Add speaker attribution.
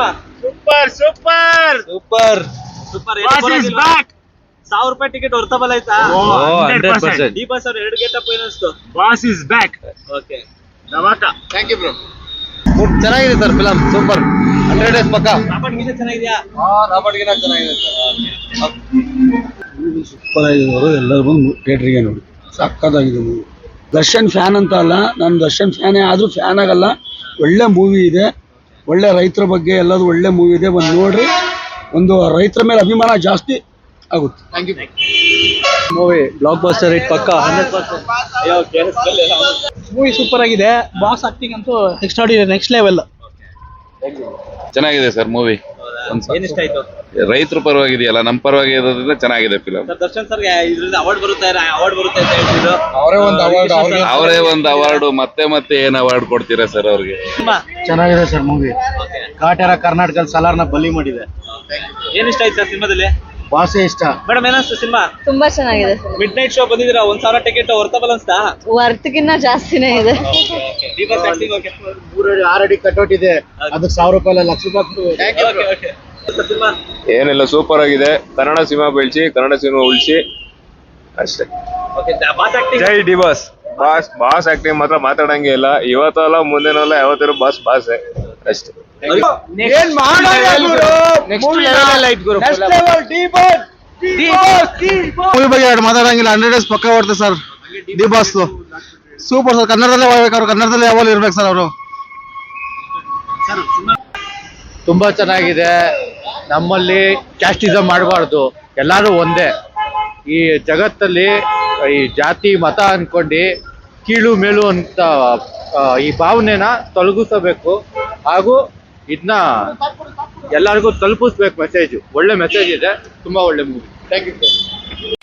Speaker 1: Super super
Speaker 2: super
Speaker 3: super.
Speaker 1: Boss is back.
Speaker 3: 1000 ರೂಪಾಯಿ ticket ಹೊರ್ತಬಲ್ಲ ಆಯ್ತಾ?
Speaker 2: 100%.
Speaker 3: ಈ ಬಸ್ ಅವ್ರು 2 ಗೆಟಪ್ ಏನಿಸ್ತು?
Speaker 1: Boss is back.
Speaker 3: ಓಕೆ,
Speaker 1: ನವಾಕ. Thank you bro.
Speaker 2: ಚೆನ್ನಾಗಿದೆ ಸರ್ ಫಿಲಂ, ಸೂಪರ್ 100 ಡೇಸ್ ಪಕ್ಕ.
Speaker 3: ರಾಬರ್ಟ್ ಗೀತೆ ಚೆನ್ನಾಗಿದ್ಯಾ?
Speaker 2: ರಾಬರ್ಟ್ಗಿನ ಚೆನ್ನಾಗಿದೆ ಸರ್.
Speaker 4: ಸೂಪರ್ ಆಗಿರೋರು ಎಲ್ಲರೂ ಬಂದು ಥಿಯೇಟ್ರಿಗೆ ನೋಡಿ, ಸಕ್ಕತ್ತಾಗಿದೆ ಮೂವಿ. ದರ್ಶನ್ ಫ್ಯಾನ್ ಅಂತ ಅಲ್ಲ, ನಾನು ದರ್ಶನ್ ಫ್ಯಾನೇ ಆದರೂ ಫ್ಯಾನ್ ಆಗಲ್ಲ. ಒಳ್ಳೆ ಮೂವಿ ಇದೆ, ಒಳ್ಳೆ ರೈತರ ಬಗ್ಗೆ ಎಲ್ಲದು ಒಳ್ಳೆ ಮೂವಿ ಇದೆ, ಬಂದು ನೋಡ್ರಿ. ಒಂದು ರೈತರ ಮೇಲೆ ಅಭಿಮಾನ ಜಾಸ್ತಿ ಆಗುತ್ತೆ.
Speaker 1: Thank you.
Speaker 2: Movie blockbuster hit ಪಕ್ಕ 100%.
Speaker 3: ಅಯ್ಯೋ, ಕೇಳಿಸ್ಕೊಳ್ಳಿಲ್ಲ.
Speaker 5: ಮೂವಿ ಸೂಪರ್ ಆಗಿದೆ. ಬಾಸ್ ಆಕ್ಟಿಂಗ್ ಅಂತೂ ನೆಕ್ಸ್ಟ್ ಲೆವೆಲ್.
Speaker 6: ಚೆನ್ನಾಗಿದೆ ಸರ್ ಮೂವಿ.
Speaker 3: ಏನ್ ಇಷ್ಟ ಆಯ್ತು?
Speaker 6: ರೈತರ ಪರವಾಗಿದೆಯಲ್ಲ, ನಮ್ಮ ಪರವಾಗಿ ಇರೋದ್ರಿಂದ ಚೆನ್ನಾಗಿದೆ ಫಿಲಂ.
Speaker 3: ಸರ್, ದರ್ಶನ್ ಸರ್ಗೆ ಇದ್ರಿಂದ ಅವಾರ್ಡ್ ಬರುತ್ತೆ ಅಂತ ಹೇಳ್ತಿದ್ರು.
Speaker 6: ಅವರೇ ಒಂದು ಅವಾರ್ಡ್ ಮತ್ತೆ ಏನ್ ಅವಾರ್ಡ್ ಕೊಡ್ತೀರಾ ಸರ್ ಅವ್ರಿಗೆ?
Speaker 4: ಚೆನ್ನಾಗಿದೆ ಸರ್ ಮೂವಿ. ಕಾಟೇರ ಕರ್ನಾಟಕದಲ್ಲಿ ಸಲಾರ್ನ ಬಲಿ ಮಾಡಿದೆ.
Speaker 3: ಏನ್ ಇಷ್ಟ ಆಯ್ತು ಸರ್ ಸಿನಿಮಾದಲ್ಲಿ?
Speaker 4: ಭಾಷೆ ಇಷ್ಟ.
Speaker 3: ಮೇಡಮ್, ಏನಿಸ್ತು ಸಿನಿಮಾ?
Speaker 7: ತುಂಬಾ ಚೆನ್ನಾಗಿದೆ ಸರ್.
Speaker 3: ಮಿಡ್ ನೈಟ್ ಶೋ ಬಂದಿದ್ದೀರಾ, 1000 ಟಿಕೆಟ್ ಹೊರ್ತಬಲ್ಲ ಅನ್ಸ್ತಾ?
Speaker 7: ವರ್ತ್ಗಿನ್ನ ಜಾಸ್ತಿನೇ ಇದೆ.
Speaker 4: ಆಲ್ರೆಡಿ ಕಟ್ಔಟ್ ಇದೆ, ಅದಕ್ಕೆ 1000 ರೂಪಾಯಿ ಅಲ್ಲ, ಲಕ್ಷ ರೂಪಾಯಿ.
Speaker 6: ಏನಿಲ್ಲ, ಸೂಪರ್ ಆಗಿದೆ. ಕನ್ನಡ ಸಿನಿಮಾ ಬೆಳೆಸಿ, ಕನ್ನಡ ಸಿನಿಮಾ ಉಳಿಸಿ ಅಷ್ಟೇ. ಜೈ ಡಿ ಬಾಸ್. ಬಾಸ್ ಆಕ್ಟಿಂಗ್ ಮಾತ್ರ ಮಾತಾಡಂಗೆ ಇಲ್ಲ. ಇವತ್ತಲ್ಲ ಮುಂದಿನಲ್ಲ ಯಾವತ್ತಿರೋ ಬಾಸ್ ಅಷ್ಟೇ.
Speaker 4: ಮೂವಿ ಬಗ್ಗೆ ಎರಡು ಮಾತಾಡಂಗಿಲ್ಲ. 100 ಡೇಸ್ ಪಕ್ಕ ಬರ್ತದೆ sir. D boss super sir. ಕನ್ನಡದಲ್ಲೇ ಹೋಗ್ಬೇಕು ಅವ್ರು, ಕನ್ನಡದಲ್ಲೇ ಯಾವಾಗ ಇರ್ಬೇಕು ಸರ್ ಅವರು.
Speaker 2: ತುಂಬಾ ಚೆನ್ನಾಗಿದೆ. ನಮ್ಮಲ್ಲಿ ಕ್ಯಾಸ್ಟಿಸಮ್ ಮಾಡಬಾರ್ದು, ಎಲ್ಲರೂ ಒಂದೇ. ಈ ಜಗತ್ತಲ್ಲಿ ಈ ಜಾತಿ ಮತ ಅನ್ಕೊಂಡು ಕೀಳು ಮೇಲು ಅಂತ ಈ ಭಾವನೆನ ತೊಲಗಿಸಬೇಕು, ಹಾಗೂ ಇದನ್ನ ಎಲ್ಲರಿಗೂ ತಲುಪಿಸ್ಬೇಕು ಮೆಸೇಜ್. ಒಳ್ಳೆ ಮೆಸೇಜ್ ಇದೆ, ತುಂಬಾ ಒಳ್ಳೆ ಮೂವಿ. Thank you.